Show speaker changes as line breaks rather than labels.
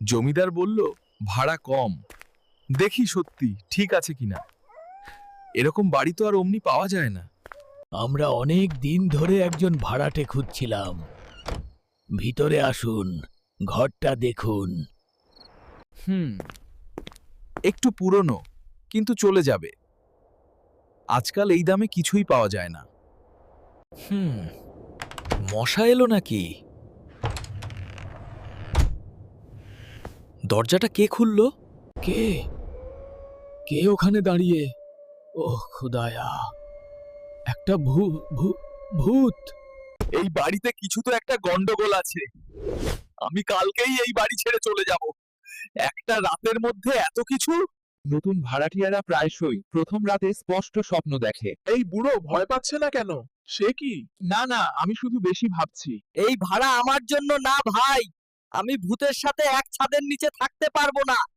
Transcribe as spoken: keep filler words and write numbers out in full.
জমিদার বলল ভাড়া কম। দেখি সত্যি ঠিক আছে কিনা। এরকম বাড়ি তো আর অমনি পাওয়া যায় না।
আমরা অনেক দিন ধরে একজন ভাড়াটে খুঁজছিলাম। ভিতরে আসুন, ঘরটা দেখুন।
হুম, একটু পুরনো, কিন্তু চলে যাবে। আজকাল এই দামে কিছুই পাওয়া যায় না। হুম, মশা এলো নাকি? দরজাটা কে খুললো?
কে কে ওখানে দাঁড়িয়ে? ওহ খুদায়া, একটা ভূ ভূ ভূত।
এই বাড়িতে কিছু তো একটা গন্ডগোল আছে। আমি কালকেই এই বাড়ি ছেড়ে চলে যাব। একটা রাতের মধ্যে এত কিছু।
নতুন ভাড়াটিয়ারা প্রায়শই প্রথম রাতে স্পষ্ট স্বপ্ন দেখে।
এই বুড়ো ভয় পাচ্ছে না কেন? সে কি?
না না, আমি শুধু বেশি ভাবছি।
এই ভাড়া আমার জন্য না ভাই, আমি ভূতের সাথে এক ছাদের নিচে থাকতে পারবো না।